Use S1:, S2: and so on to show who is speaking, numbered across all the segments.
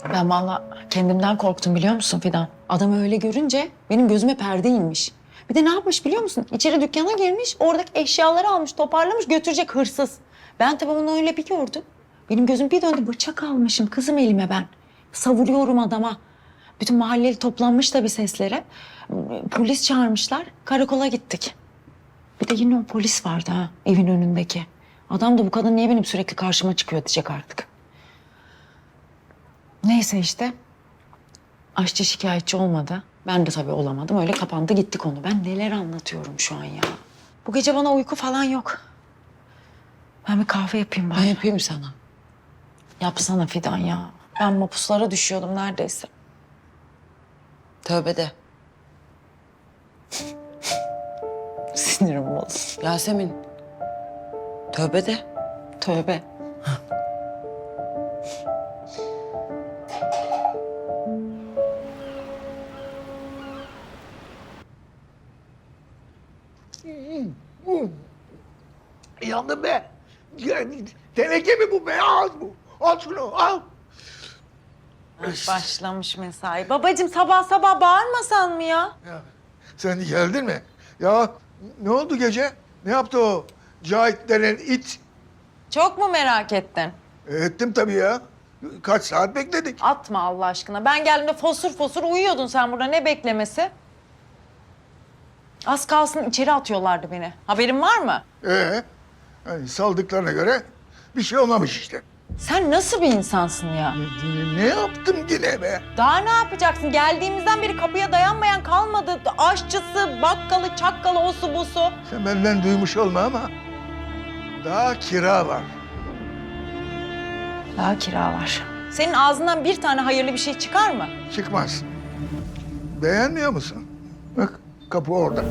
S1: Ben vallahi kendimden korktum biliyor musun Fidan? Adamı öyle görünce benim gözüme perde inmiş. Bir de ne yapmış biliyor musun? İçeri dükkana girmiş, oradaki eşyaları almış, toparlamış, götürecek hırsız. Ben tabii onu öyle bir gördüm. Benim gözüm bir döndü, bıçak almışım kızım elime ben. Savuruyorum adama. Bütün mahalleli toplanmış tabii seslere. Polis çağırmışlar, karakola gittik. Bir de yine o polis vardı ha, evin önündeki. Adam da bu kadın niye benim sürekli karşıma çıkıyor diyecek artık. Neyse işte. Aşçı şikayetçi olmadı. Ben de tabii olamadım. Öyle kapandı gitti konu. Ben neler anlatıyorum şu an ya. Bu gece bana uyku falan yok. Ben bir kahve yapayım bari.
S2: Ben yapayım sana.
S1: Yapsana Fidan ya. Ben mapuslara düşüyordum neredeyse.
S2: Tövbe de.
S1: Sinirim bozuldu.
S2: Yasemin. Tövbe de.
S1: Tövbe.
S3: Yandım be. Yani, teneke mi bu be? Al bu. Al şunu al.
S1: Başlamış mesai. Babacığım sabah sabah bağırmasan mı ya?
S3: Ya, sen geldin mi? Ya ne oldu gece? Ne yaptı o Cahit denen it?
S1: Çok mu merak ettin?
S3: Ettim tabii ya. Kaç saat bekledik.
S1: Atma Allah aşkına. Ben geldiğimde fosur fosur uyuyordun sen burada. Ne beklemesi? Az kalsın içeri atıyorlardı beni. Haberin var mı?
S3: Yani saldıklarına göre bir şey olmamış işte.
S1: Sen nasıl bir insansın ya?
S3: Ne yaptım yine be?
S1: Daha ne yapacaksın? Geldiğimizden beri kapıya dayanmayan kalmadı. Aşçısı, bakkalı, çakkalı, osu busu.
S3: Sen benden duymuş olma ama daha kira var.
S1: Daha kira var. Senin ağzından bir tane hayırlı bir şey çıkar mı?
S3: Çıkmaz. Beğenmiyor musun? Bak kapı orada.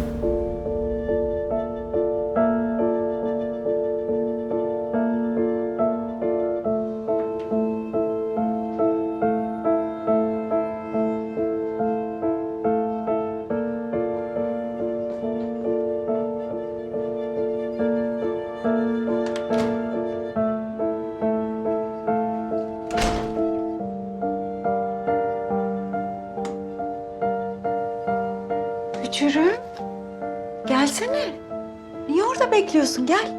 S1: Bücürüm. Gelsene. Niye orada bekliyorsun? Gel.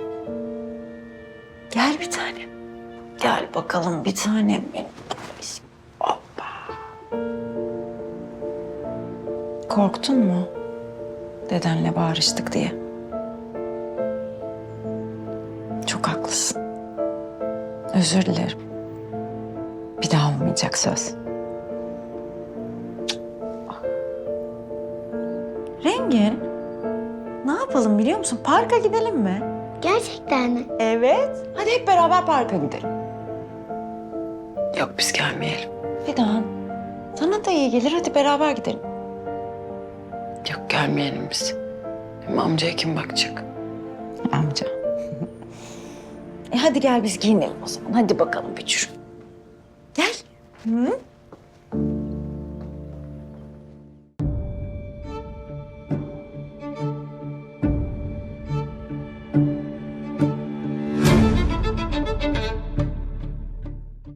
S1: Gel bir tanem. Gel bakalım bir tanem benim. Hoppa. Korktun mu? Dedenle bağırıştık diye. Çok haklısın. Özür dilerim. Bir daha olmayacak söz. Rengin, ne yapalım biliyor musun? Parka gidelim mi?
S4: Gerçekten mi?
S1: Evet. Hadi hep beraber parka gidelim.
S2: Yok biz gelmeyelim.
S1: Fidan, sana da iyi gelir. Hadi beraber gidelim.
S2: Yok gelmeyelim biz. Hem amcaya kim bakacak?
S1: Amca. Hadi gel biz giyinelim o zaman. Hadi bakalım Bücür. Gel. Hı?